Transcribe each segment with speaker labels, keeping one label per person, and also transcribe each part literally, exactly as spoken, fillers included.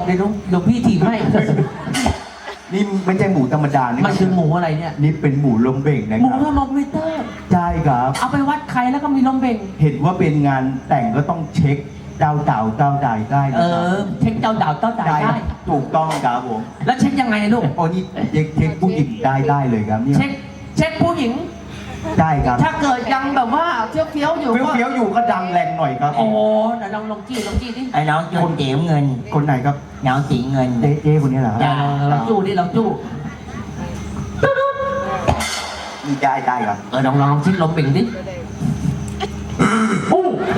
Speaker 1: ดี๋ยวน้องเดี๋ยวพี่ถีบให้
Speaker 2: นี่ไม่ใช่หมูธรรมดานี่
Speaker 1: มันคือหมูอะไรเนี่ย
Speaker 2: นี่เป็นหมูลมเบ่งนะ
Speaker 1: หมู
Speaker 2: ครับ
Speaker 1: ทอมมิเตอร์
Speaker 2: ใช่ครับ
Speaker 1: เอาไปวัดใครแล้วก็มีลมเบ่ง
Speaker 2: เห็นว่าเป็นงานแต่งก็ต้องเช็คเจ้าเต่าเจ้าใดได้
Speaker 1: เอ
Speaker 2: นะครับ
Speaker 1: อเช็คเจ้าดาวเจ้าจ่าย
Speaker 2: ได้
Speaker 1: ได้
Speaker 2: ถูกต้องครับผม
Speaker 1: แล้วเช็คยังไงลูก
Speaker 2: โอ้นี่เช็คเช็คผู้หญิงได้ได้เลยครับเนี่ย
Speaker 1: เช็คเช็คผู้หญิง
Speaker 2: ได้ครับ
Speaker 1: ถ้าเกิดยังแบบว่าเฟี้ยวเฟี้ยวๆอยู่
Speaker 2: เฟี้ยว
Speaker 1: ก็
Speaker 2: เฟี้ยวอยู่ก็ดังแรงหน่อยครับ
Speaker 1: โอ้โหเดี๋ยวลองลองจี้ลองจี้ดิ
Speaker 3: ไอ้น้องจูนเตี๋ยวเงิน
Speaker 2: คนไหนครับ
Speaker 3: น้องสีเงิน
Speaker 2: เจ๊เจ๊คนนี้เหรอครับ
Speaker 1: เออลองจู้ดิลองจู้
Speaker 2: นี่ได้ได้ครับ
Speaker 1: เออลองลองลองเช็คลมเบ่งดิโอ้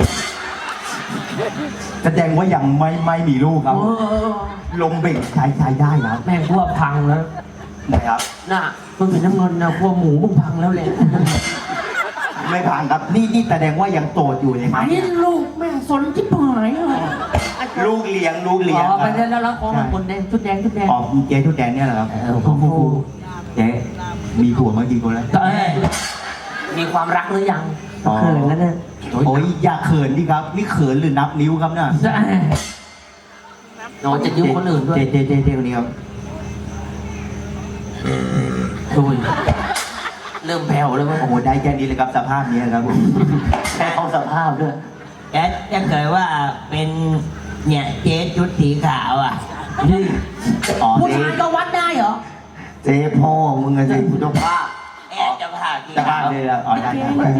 Speaker 2: แสดงว่ายังไม่ไม่มีลูกครับ
Speaker 1: เออ
Speaker 2: ลมเบ่งใช้ใช้ได้ครับ
Speaker 1: แม่งพวกพังแล้ว
Speaker 2: นะครับ
Speaker 1: น่ะมึงเป็นน้ำเงินนะพวกหมูมึงพังแล้วแหละ
Speaker 2: ไม่ผ่านครับนี่นี่แสดงว่ายังโสดอยู่เลยค
Speaker 1: ไอ้
Speaker 2: รับ
Speaker 1: ลูกแม่งสนจิ๊บหายเลย
Speaker 2: ลูกเลี้ยงลูกเลี้ยง
Speaker 1: อ๋อ
Speaker 2: ค
Speaker 1: ไป
Speaker 2: รับ
Speaker 1: แล้วแล้วของมันคนแดงชุดแดงชุดแดง
Speaker 2: อ๋อเจ๊ทุกแดงเนี่ยเหรอครับ
Speaker 1: เออของกู
Speaker 2: เจ๊มีผัวมากี่คนแล้ว
Speaker 1: เอ้ยมีความรักหรือยัง
Speaker 2: อ๋อ
Speaker 1: เขินแล้วเนี่ย
Speaker 2: โอ้ยอย่าเขินดิครับนี่เขินหรือนับนิ้วครับเนี่ย
Speaker 1: จะโนจะยุ่งคนอื่นด้วย
Speaker 2: เจ๊เจ๊เจ๊เจ๊คนนี้ครับ
Speaker 1: ดูดิเริ่มแผ่วแล้วมั้ง
Speaker 2: โอ้โหได้แค่นี้เลยครับสภาพนี้ครับผม
Speaker 1: แค่เอาสภาพด้วย
Speaker 3: แอดถ้าเกิดว่าเป็นเนี่ยเจ๊ชุดสีขาวอ่ะ
Speaker 1: นี่
Speaker 2: อ๋อ
Speaker 1: ผู้
Speaker 2: เจ๊
Speaker 1: ชายก็วัดได้เหรอ
Speaker 2: เจ๊พ่อมึงอะเจ๊ผู้ต้องภาพ
Speaker 3: แอดจะผ่าสี
Speaker 2: สภา
Speaker 3: ขา
Speaker 2: พ
Speaker 3: ว
Speaker 2: เลยละอ๋อได้ได้ได้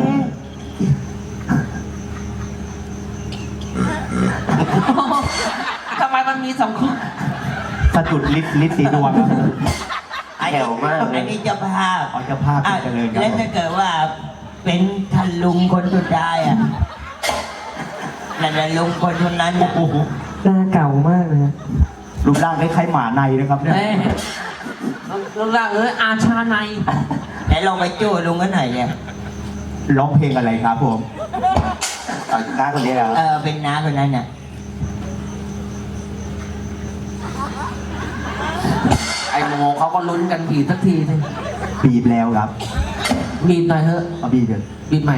Speaker 1: ทำไมมันมีสองคู่
Speaker 2: สะดุดลิฟต์ลิฟต์สีดวงครับ
Speaker 3: อันนี้อันนี้จะภาพ
Speaker 2: อ๋อเจ้าภาพ
Speaker 3: อ่ะ
Speaker 2: เจริญครับ
Speaker 3: แล้วถ้าเกิดว่าเป็นท่านลุงคนสุดท้ายอ่ะนั่นแหละลุงคนคนนั้นอ่ะ
Speaker 2: โอ้โห
Speaker 1: หน้าเก่ามากเลย
Speaker 2: รูปร่างคล้ายๆหมาในนะครับเนี่ย
Speaker 1: เอ้ยลูกหลานเอ้ยอาชาใน
Speaker 3: แล้วลองไปจู้ลุงกันหน่อยเนี่ย
Speaker 2: ร้องเพลงอะไรครับผมเอาหน้าคนนี้แล้ว
Speaker 3: เออเป็นน้าคนนั้นน่ะ
Speaker 1: ไอ้โมเขาก็ลุ้นกันผีสักทีสิ
Speaker 2: บีบแล้วครับ
Speaker 1: บีบหน่อยเถอะ
Speaker 2: เอาบีบเถอะ
Speaker 1: บีบใหม่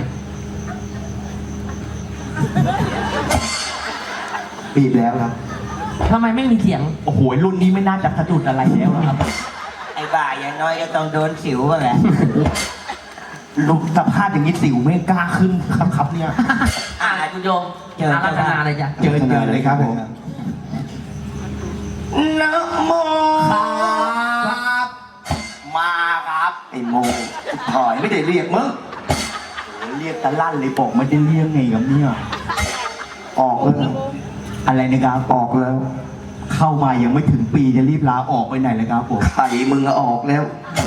Speaker 2: บีบแล้วครับ
Speaker 1: ทำไมไม่มีเสียง
Speaker 2: โอ้โหรุ่นนี้ไม่น่าจะสะดุดอะไรแล้วครับ
Speaker 3: ไอ้บ่าอย่างน้อยก็ต้องโดนสิวบ้างแหละ
Speaker 2: ลุกสภาพอย่างนี้สิวไม่กล้าขึ้นครับครับเนี่ย
Speaker 1: อ่าคุณโยมเจอรัตนาเลยจ้ะ
Speaker 2: เจอเจอเลยครับผมนะโมครับมาครับไอ้โมถอยไม่ได้เรียกมึงโอ้เรียกตะลั่นเลยบอกไม่ได้เรียกไงครับเนี่ยออกแล้วอะไรนะครับออกแล้ว เข้ามายังไม่ถึงปีจะรีบลาออกไปไหนเลยครับผมไข่มึงออกแล้ว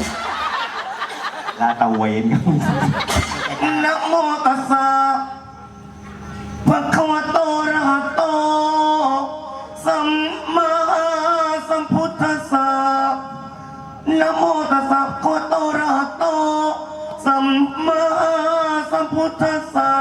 Speaker 2: ลาตะเวนครับนะโมตัสสะภะคะวะโตอะระหะโตสัมมาสัมพุทธัสสะนะโมตัสสะภะคะวะโตอะระหะโตสัมมาสัมพุทธัสสะ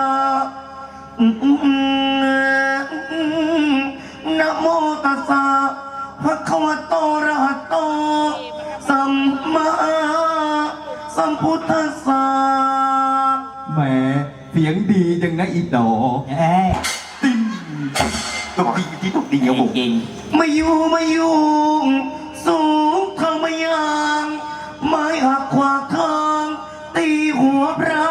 Speaker 2: นะโมตัสสะภะคะวะโตอะระหะโตสัมมาสัมพุทธัสสะแหมเสียงดีจังนะอีดอ
Speaker 3: เอ้ย
Speaker 2: ติ้งตกดีที่ตกดีครับผม
Speaker 3: จริง
Speaker 2: ไม่อยู่ไม่อยู่สูงเท่าไม่ยางไม้หักขวาทางตีหัวพระ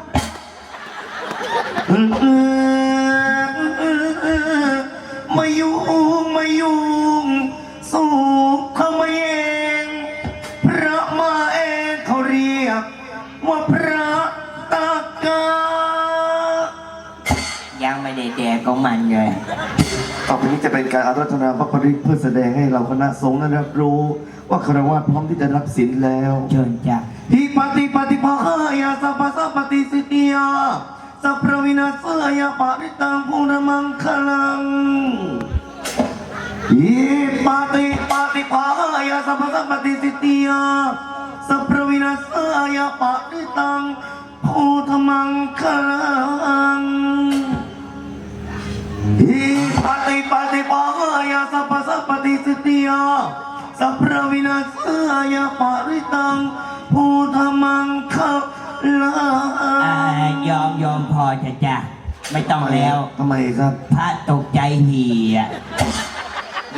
Speaker 2: ไม่อยู่ไม่อยู่สูงเท่าไม่เองพระมาเองเขาเรียกว่าพระตากา
Speaker 3: ยังไม่ได้แดกของมันเลย
Speaker 4: ต่อไปนี้จะเป็นการอาราธนาพระปริตเพื่อแสดงให้เราคณะสงฆ์นั้นรับรู้ ว่าคารวะพร้อมที่จะรับศีลแล้ว
Speaker 3: เชิญจ้ะ
Speaker 2: ฮิปติปฏิภาหายาสัพพะสัพปติสิทธิยาสัพพวินาศยาปาริตังภูนมังคลังฮิปติปฏิภาหายาสัพพะสัพปติสิทธิยาสัพพวินาศยาปาริตังภูธมังคลังฮิปติปฏิภาหายาสัพพะสัพปติสิทธิยาสัพพวินาศยาปาริตังภูธมังคลัง
Speaker 3: อ่ายอมยอมพอจะจ้ะไม่ต้องแล้ว
Speaker 4: ทำไมครับ
Speaker 3: พระตกใจเหี่ย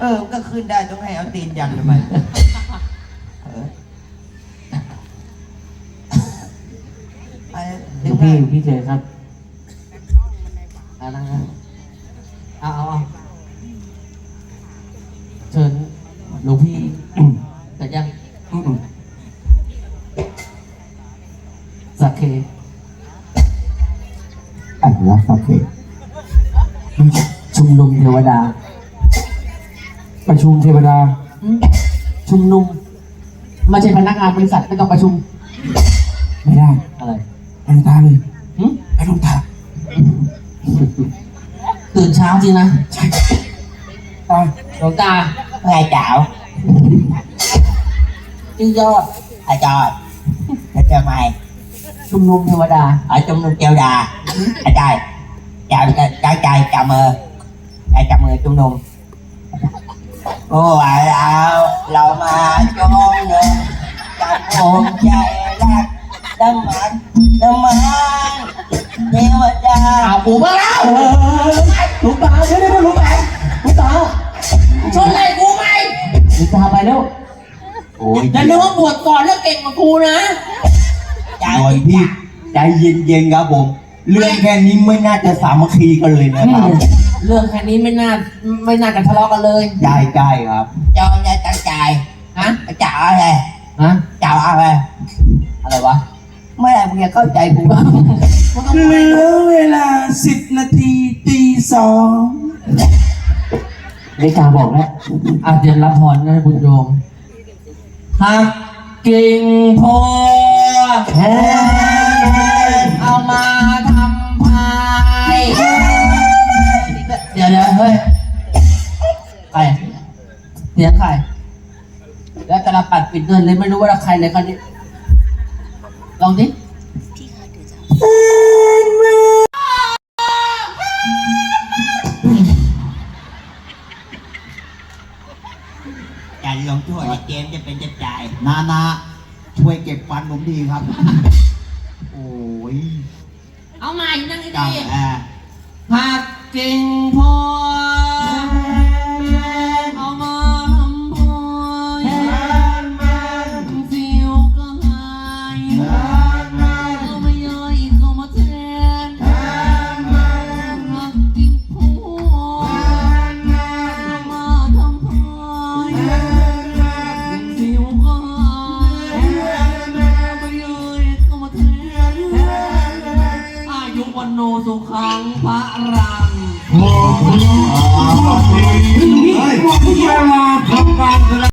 Speaker 3: เออมันก็ขึ้นได้ต้องให้เอาตีนยันทำไมเออไอ้
Speaker 1: หล
Speaker 3: ดึ
Speaker 1: ว
Speaker 3: ง
Speaker 1: งพี่พี่เจครับเอาละครับเอาเอาเอาเชิญหลวงพี่แต่ยังสักเค
Speaker 3: อะไรวะโอเค
Speaker 1: ชุมนุมเทวดา
Speaker 3: ประชุมเทวดา
Speaker 1: อืมชุมนุมไม่ใช่พนักงานบริษัทไม่ต้องประชุม
Speaker 3: ไม่ได้
Speaker 1: อะไร
Speaker 3: ไปลงตาเลย
Speaker 1: หึ
Speaker 3: ไปลงตา
Speaker 1: ตื่นเช้าจริงนะ
Speaker 3: ตา
Speaker 1: หลวงตา
Speaker 3: ไงจ๋าว
Speaker 1: ชื่อยอด
Speaker 3: อาจารย์แล้วจะไม่
Speaker 1: ชุมนุมเทวดา
Speaker 3: ở trong nung keo đà à trai chào chào trai chào mờ chào chào mờ trong nung ô à lão lão mà cho nung trong hồn chạy lạc đâm mặt đâm mặt nhiều đà
Speaker 1: เอาปูมาแล้วหลวงตาเดี๋ยวเดี๋ยวหลวงตาหลวงตา
Speaker 5: ชนอะไรกูไหม
Speaker 1: หลวงตาไปแล้วโอ้ย
Speaker 5: อย่านึกว่าบวชก่อนแล้วเก่งกว่ากูนะ
Speaker 3: chạy
Speaker 6: ก่อนพี่ใจเย็นๆครับผม เรื่องแค่นี้ไม่น่าจะสามัคคีกันเลยนะครับ
Speaker 1: เรื่องแค่นี้ไม่น่าไม่น่าจะทะเลาะกันเลย
Speaker 6: ใช่ใช่ครับ
Speaker 3: cho ra tăng chạy
Speaker 1: ฮะ
Speaker 3: chào này
Speaker 1: ฮะ
Speaker 3: chào này
Speaker 1: อะไรวะ
Speaker 3: mới làm nghe có chạy cũng
Speaker 6: เหลือเวลาสิบนาทีตีสอง
Speaker 1: นาฬิกาบอกแล้วอาเดียนรับพรนะบุญโยมหักกิ่งโพเอามาทำพายเดี๋ยวเดี๋ยวเฮ้ยใครเสียงใครแล้วกระปัดปิดเงินเลยไม่รู้ว่าใครเลยคนนี้ลองดิ
Speaker 3: chạy lòng chúa là chém cho bên chân chạy
Speaker 6: นานาช่วยเก็บฟันผมทีครับ โอ้ย
Speaker 5: เอาใหม่นั่งให้
Speaker 6: จัง
Speaker 5: ดี
Speaker 6: อ่ะ
Speaker 1: หักกิ่งโพเอามาทำพายสิวก็หายเอาไม่ย่อยก็มาแทนหักกิ่งโพเอามาทำพายสิวก็หายไม่ย่อยก็มาแทนอายุวันโนสุขังพระรัง
Speaker 6: เฮ้ย